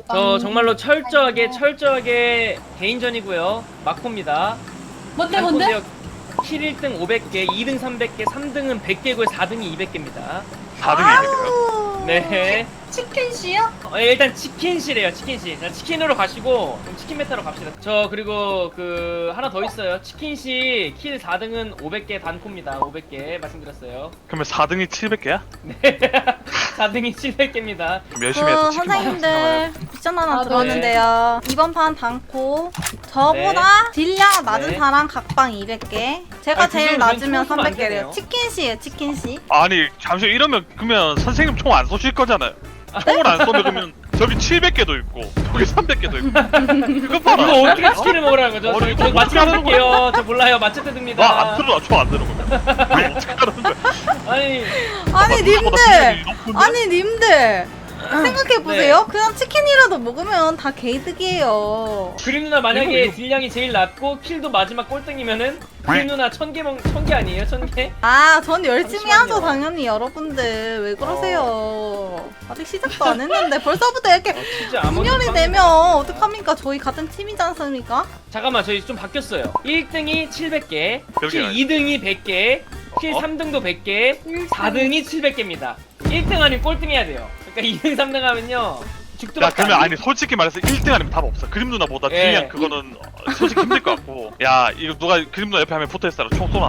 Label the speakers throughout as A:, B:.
A: 저 정말로 철저하게 개인전이고요. 마코입니다.
B: 뭔데?
A: 킬 1등 500개, 2등 300개, 3등은 100개고요. 4등이 200개입니다.
C: 4등이 이겼어요.
A: 네.
B: 치킨씨요?
A: 일단 치킨시래요. 치킨시. 자, 치킨으로 가시고 그럼 치킨 메타로 갑시다. 저 그리고 그 하나 더 있어요. 치킨시 킬 4등은 500개 단코입니다. 500개 말씀드렸어요.
C: 그러면 4등이 700개야?
A: 네. 4등이 700개입니다.
C: 그럼 열심히 해서 치킨
D: 선생님들 미션 하나
B: 아,
D: 들어왔는데요. 이번 판 단코 저보다 딜량 낮은
A: 네.
D: 사람 각방 200개. 제가
A: 아니,
D: 제일
A: 그건
D: 낮으면
A: 총수면 안
D: 300개래요.
A: 되네요.
D: 치킨시에 치킨시.
C: 아니 잠시 이러면 그러면 선생님 총 안 쏘실 거잖아요. 총을 안 쏘면 그러면 저기 700개도 있고 저기 300개도 있고 그거 봐라.
A: 이거 어떻게 치킨을 먹으라는 거죠?
C: 어,
A: 저
C: 이거
A: 마치
C: 어떻게 하는
A: 할게요. 저 몰라요. 마체테 듭니다.
C: 나안 들어 총안 들어 그러면 이거 어떻게 하는 거야?
A: 아니
D: 아니
C: 누나보다
D: 님들.
C: 실력이 높은데?
D: 아니 님들. 생각해보세요. 그냥 치킨이라도 먹으면 다 개이득이에요.
A: 그림 누나 만약에
C: 이거.
A: 딜량이 제일 낮고 킬도 마지막 꼴등이면은 그림 누나 1000개 아니에요? 1000개?
D: 아, 전 열심히
A: 잠시만요.
D: 하죠, 당연히 여러분들. 왜 그러세요? 아직 시작도 안 했는데 벌써부터 이렇게
A: 진짜 아무것도
D: 분열이
A: 빵-
D: 되면 어떡합니까? 저희 같은 팀이지 않습니까?
A: 잠깐만 저희 좀 바뀌었어요. 1등이 700개,
C: 그러게요.
A: 킬 2등이 100개, 킬
C: 어?
A: 3등도 100개, 4등이 700개입니다. 1등 아니면 꼴등해야 돼요. 그러니까 2등 3등 하면요 죽도
C: 야
A: 박도
C: 그러면
A: 안
C: 아니 솔직히 말해서 1등 아니면 답 없어. 그림 누나보다
A: 예.
C: 딜량 그거는 솔직히 힘들 것 같고 야 이거 누가 그림 누나 옆에 하면 붙어있어라. 총 쏘나 안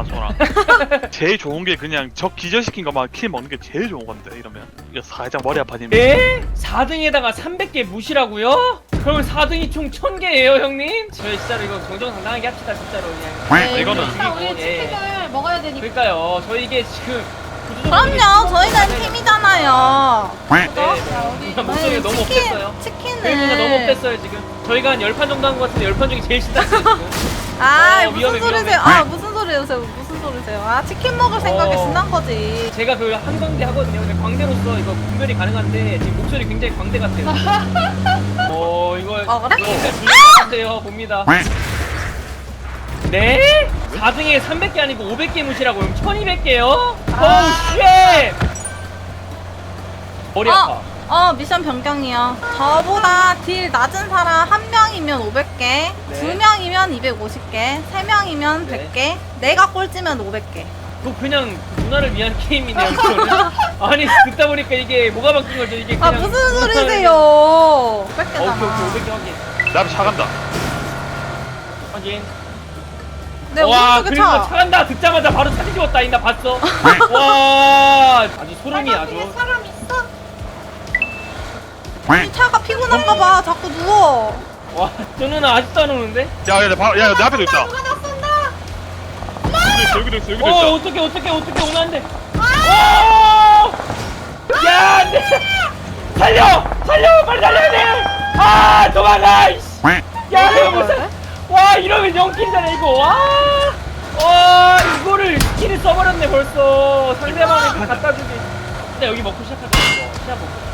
C: 쏘나. 제일 좋은 게 그냥 적 기절시킨 것만 킬 먹는 게 제일 좋은 건데 이러면 이거 살짝 머리 아파지면
A: 에? 4등에다가 300개 무시라고요? 그러면 4등이 총 1000개예요 형님? 저희 진짜로 이거 정정당당하게 합시다 진짜로 그냥.
C: 네, 이거는
B: 일단 우리
A: 예.
B: 치킨을 먹어야 되니까.
A: 그러니까요 저희 이게 지금
D: 그럼요, 저희는 팀이잖아요.
A: 네,
B: 자,
A: 네.
B: 우리
A: 목소리가 너무 없겠어요.
D: 치킨을.
A: 그림이 너무 없댔어요 지금. 저희가 한 10판 정도 한 것 같은데 10판 중에 제일 신났어요 지금.
D: 아,
A: 어,
D: 무슨
A: 위험해,
D: 소리세요?
A: 위험해.
D: 아, 무슨 소리세요? 무슨 소리세요? 아, 치킨 먹을 생각에
A: 어.
D: 신난 거지.
A: 제가 그 한광대 하거든요. 근데 광대로서 이거 분별이 가능한데 지금 목소리 굉장히 광대 같아요. 이거
D: 그래?
A: 같아요. 봅니다. 네? 4등에 300개 아니고 500개 무시라고 그럼 1200개요? 어우 쉣! 머리 아파.
D: 미션 변경이요. 저보다 딜 낮은 사람 한 명이면 500개,
A: 네.
D: 두 명이면 250개, 세 명이면
A: 네.
D: 100개, 내가 꼴찌면 500개.
A: 그거 그냥 누나를 위한 게임이네요. 이거는. 아니 듣다 보니까 이게 뭐가 바뀐 거죠? 이게
D: 아,
A: 그냥
D: 무슨 소리세요?
A: 오케이
D: 500개잖아.
A: 500개 확인.
C: 나 앞에 차 간다.
A: 확인.
D: 내
A: 와
D: 오른쪽에
A: 그리고
D: 차.
A: 차간다 듣자마자 바로 사진 찍었다 나 봤어. 와 아주 소름이
B: 빨간색에
A: 아주.
B: 사람 있어?
D: 이 차가 피곤한가봐. 자꾸 누워.
A: 와저 누나 아직도 안 오는데?
C: 야야 내 앞에도 있다.
B: 누가 나 쏜다!
C: 여기도 있어 여기도 있어.
A: 어떻게 오면 안 돼? 야 안돼 살려 빨리 살려야 돼아 도망가 이씨. 야 이거 무슨 와 이러면 0킬이잖아 이거 와 이거를 스킬을 써버렸네 벌써 상대방한테 갖다 주기 근데 여기 먹고 시작하자 이거 시작 먹고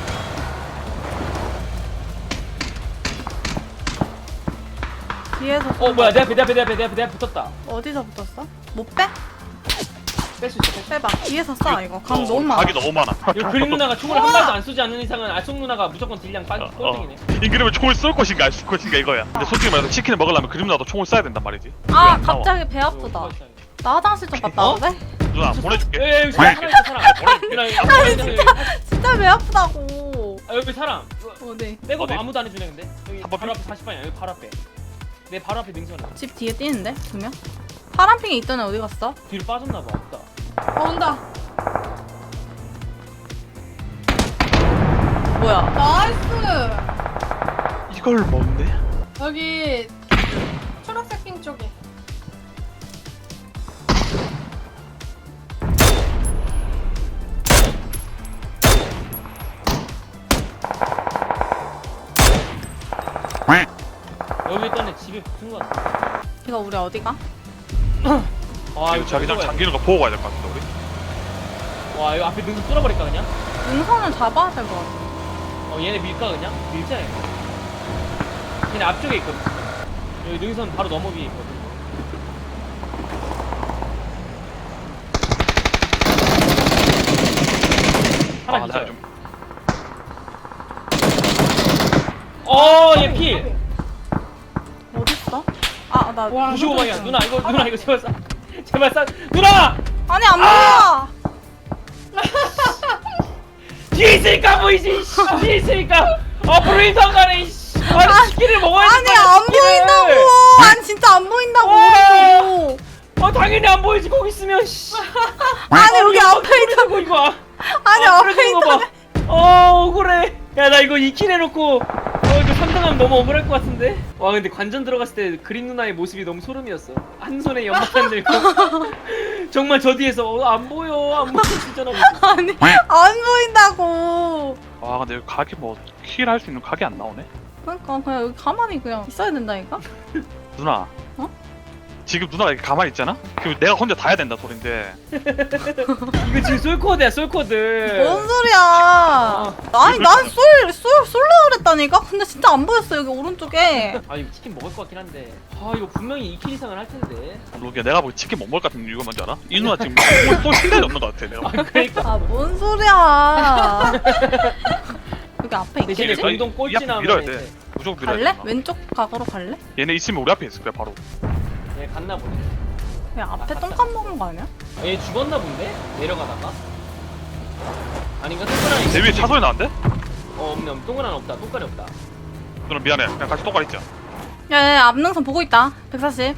D: 뒤에서.
A: 뭐야 내 앞에 붙었다
D: 어디서 붙었어? 못 빼?
A: 뺄 수 있어
D: 빼봐. 뒤에서 쏴, 이거. 감 너무 많아.
C: 각이 너무 많아.
A: 이거 그림 누나가 총을 한 발도 안 쏘지 않는 이상은 알속 누나가 무조건 딜량 꼴등이네
C: 이 그림은 총을 쏠 것인가 안 쏠 것인가 이거야. 근데 솔직히 말해서 치킨을 먹으려면 그림 누나도 총을 쏴야 된단 말이지.
D: 아,
C: 왜안 나와?
D: 갑자기 배 아프다. 나 화장실 좀 갔다
A: 어?
D: 와도 돼?
C: 누나 보내줄게.
A: 여기 사람 있어 사람
D: 아니, 진짜 배 아프다고.
A: 여기 사람
D: 네.
A: 빼고
C: 어디?
A: 아무도 안 해주네 근데 여기
C: 한번
A: 바로 앞에 40방이야 여기 바로 앞에 내 바로 앞에 능선에
D: 집 뒤에 뛰는데? 두 명? 파란핑에 있던 애 어디 갔어?
A: 뒤로 빠졌나봐 없다
B: 온다.
D: 뭐야?
B: 나이스!
C: 이걸 먹네?
B: 여기 초록색 핑 쪽에.
A: 여기 있던 애 집에 붙은 거 같아
D: 이거 우리 어디가?
C: 이거 자기장 잠기는 거 보고 가야 될 것 같은데 우리?
A: 와 이거 앞에 능선 뚫어버릴까 그냥?
D: 능선을 잡아야 될 것 같아.
A: 얘네 밀까 그냥? 밀자 얘 걔네 앞쪽에 있거든 여기 능선 바로 너머 위에 있거든 하나
C: 나
A: 기절
C: 좀.
A: 방에 필.
D: 어딨어? 아, 나.
B: 와,
A: 95방이야. 누나 이거 제발 쏴. 제발 쏴. 누나!
D: 아니, 안 보여!
A: 뒤에 있으니까 보이지. 씨. 뒤에 있으니까. 앞으로 인상가네. 이씨. 아니 치킨을 먹어야지.
D: 아니,
A: 빨리
D: 안
A: 치킨을.
D: 보인다고! 아니, 진짜 안 보인다고!
A: 와.
D: 오른쪽.
A: 당연히 안 보이지 거기 있으면. 씨.
D: 아니, 여기 앞에 있다.
A: 있다고 이거.
D: 아니, 앞에 있다.
A: 억울해. 야 나 이거 2킬 해놓고 이거 3등하면 너무 억울할 것 같은데. 와 근데 관전 들어갔을 때 그린 누나의 모습이 너무 소름이었어. 한 손에 연막탄 들고 정말 저 뒤에서 안 보여 진짜 나.
D: 아니, 안 보인다고!
C: 아 근데 여기 각이 뭐 킬 할 수 있는 각이 안 나오네.
D: 그러니까 그냥 여기 가만히 그냥 있어야 된다니까?
C: 누나.
D: 어?
C: 지금 누나가 이렇게 가만히 있잖아? 그럼 내가 혼자 다 해야 된다 소린데.
A: 이거 지금 솔코드야 솔코드.
D: 뭔 소리야? 아니, 난 쏠라 그랬다니까? 근데 진짜 안 보였어, 여기 오른쪽에.
A: 아 이거 치킨 먹을 것 같긴 한데. 아 이거 분명히 2킬 이상은 할 텐데.
C: 루기야 내가 보기 치킨 못 먹을 것 같은 이유가 뭔지 알아? 이 누나 지금 쏠 생각이 없는 것 같아 내가.
A: 그러니까.
D: 아, 뭔 소리야. 여기 앞에
A: 대신에
D: 있겠지?
C: 거의
A: 전동
C: 이 앞에
A: 꼴찌
C: 밀어야
A: 나오면
C: 돼. 무조건 밀어야
D: 갈래?
C: 돼.
D: 왼쪽 각으로 갈래?
C: 얘네 있으면 우리 앞에 있을 거야 바로.
A: 얘 갔나 보네.
D: 야, 앞에 똥값 먹은 거 아니야?
A: 얘 죽었나 본데? 내려가다가? 아닌가? 똥가리
C: 내 위에 차 소리 나는데?
A: 없네. 똥가리 없다. 똥가리 없다.
C: 누나 미안해. 그냥 같이 똑바로 있자.
D: 야, 야, 앞능선 보고 있다. 140.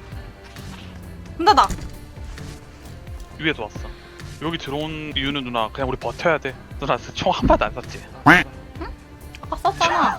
D: 문 닫아.
C: 위에서 왔어. 여기 들어온 이유는 누나 그냥 우리 버텨야 돼. 누나 총 한 발도 안 쐈지.
D: 아까 썼잖아.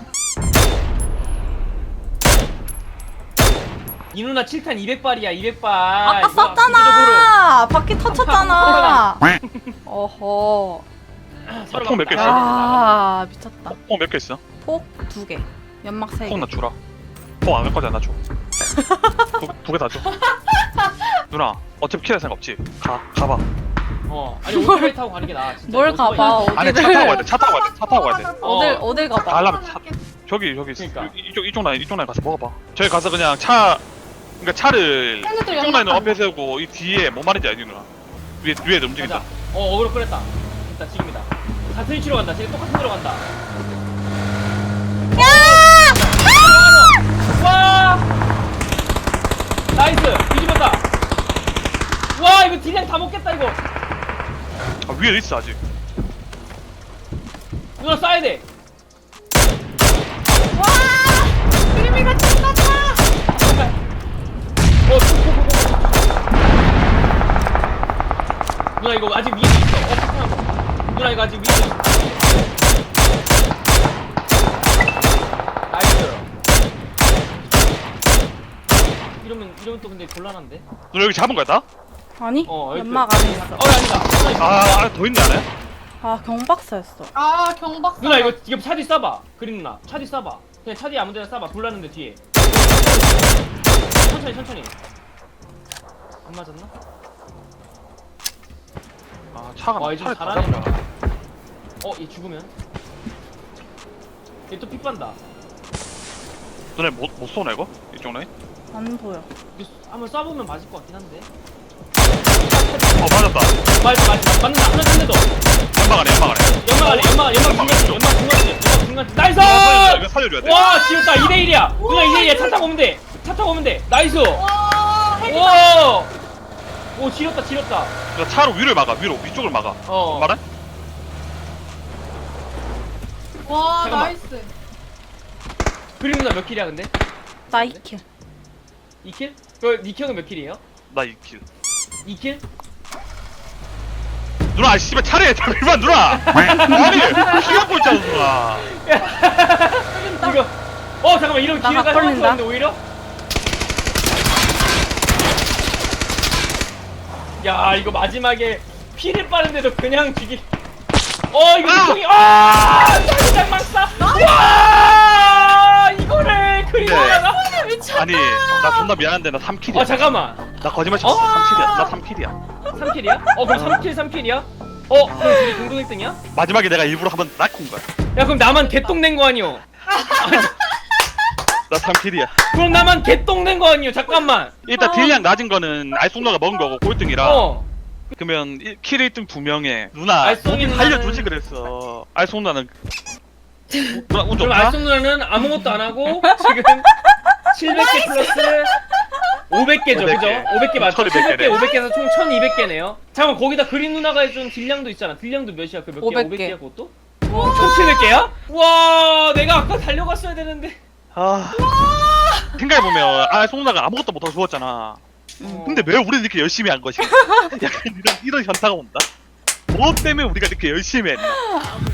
A: 이 누나 7탄 200발이야 200발.
D: 아까 썼잖아. 바퀴 터쳤잖아. 어허.
C: 총 몇 개 있어?
D: 아, 미쳤다.
C: 총 몇 개 있어?
D: 폭 2개. 연막 3개.
C: 총 나 주라. 총 안 갈 거지 나 줘. 두 개 다 줘. 누나 어차피 킬할 생각 없지? 가봐.
A: 아니 오토바이 타고 가는 게 나아. 진짜.
D: 뭘
A: 오토바이.
D: 가봐.
C: 아니 차 타고 가야 돼. 차 타고 가야 돼.
D: 어딜 가봐.
C: 가려면 저기
A: 그러니까.
C: 이쪽 라인 가서 먹어봐. 저기 가서 그냥 그러니까 차를
B: 헬멧도
C: 이쪽 라인으로
B: 연막탄.
C: 앞에 세우고 이 뒤에 뭔 말인지 알지 누나? 위에 움직인다.
A: 가자. 어그로 끌었다. 됐다 지금이다. 같은 위치로 간다. 지금 똑같은 데로 간다. 와! 나이스! 뒤집었다! 와 이거 딜량 다 먹겠다 이거!
C: 아, 위에 있어 아직.
A: 누나 쏴야 돼!
B: 그림이가 쳤다.
A: 잠깐! 누나 이거 아직 위에 있어. 잠깐만. 누나 이거 아직 위에 있어. 나이스! 이러면 또 근데 곤란한데?
C: 누나 여기 잡은 거야 다?
D: 아니,
A: 여기
D: 연막 안에 있어.
A: 아니다.
C: 더 있네 안에?
D: 아, 경박사였어.
B: 아, 경박사.
A: 누나 이거 차 뒤 쏴봐. 그린 누나 차 뒤 쏴봐. 그냥 차 뒤 아무데나 쏴봐. 불나는데 뒤에. 천천히. 안 맞았나?
C: 아 차가
A: 와 이제
C: 차를 다
A: 잘하네.
C: 잡았다.
A: 얘 죽으면? 얘 또 픽반다.
C: 누나 못 쏘나 이거? 이쪽 라인?
D: 안 보여.
A: 이거 한번 쏴보면 맞을 것 같긴 한데.
C: 맞았다.
A: 맞는다. 하나 더.
C: 연막 안에.
A: 연막 중간지. 나이스!
C: 이거 살려줘야 돼.
A: 와 지웠다. 2대1이야. 누나 2대1이야. 차 타고 오면 돼. 나이스!
B: 와, 헬멧.
A: 와! 오 지렸다.
C: 누나 차로 위를 막아. 위쪽을 막아. 말해?
B: 와,
A: 잠깐만.
B: 나이스.
A: 그림 누나 몇 킬이야 근데?
D: 나 2킬.
A: 2킬? 그 니형은 몇 킬이에요?
C: 나 2킬.
A: 2킬?
C: 누나 씨발 차례 잠깐만 누나. 아니 키 갖고 있잖아 누나.
A: 이거 잠깐만 이런
D: 나
A: 기회가
D: 각 걸린다.
A: 형한테 오히려? 야 이거 마지막에 피를 빠는데도 그냥 죽이. 이거 형이 자기장 막사. 와 이거를 그리고다가.
B: 미쳤다.
C: 아니 나 존나 미안한데 나 3킬이야.
A: 잠깐만.
C: 나 거짓말 쳤어. 3킬이야. 나 3킬이야.
A: 3킬이야? 그럼 3킬이야? 그럼 둘이 공동 1등이야?
C: 마지막에 내가 일부러 한번 낙 온 거야.
A: 야 그럼 나만 개똥 낸 거 아니오?
C: 나 3킬이야.
A: 그럼 나만 개똥 낸 거 아니오? 잠깐만.
C: 일단 딜량 낮은 거는 알송너가 먹은 거고 꼴등이라.
A: 어.
C: 그러면 킬 1등 2명에 누나
A: 알송이
C: 어디
A: 누나는-
C: 살려주지 그랬어. 알송나는 누나 운
A: 그럼
C: 좋다.
A: 알송 누나는 아무것도 안 하고 지금 700개 플러스 500개죠,
C: 500개.
A: 그죠? 500개 맞죠?
C: 1200 개네.
A: 500개에서 총 1200개네요. 잠깐만, 거기다 그린 누나가 해준 딜량도 있잖아. 딜량도 몇이야? 그 몇 개야?
D: 500 개.
A: 500개야, 그것도? 1700개야? 와, 내가 아까 달려갔어야 되는데.
C: 아. 생각해보면 송나가 아무것도 못하고 죽었잖아. 근데 왜 우리는 이렇게 열심히 한 것이? 약간 이런 현타가 온다. 뭐 때문에 우리가 이렇게 열심히 했나?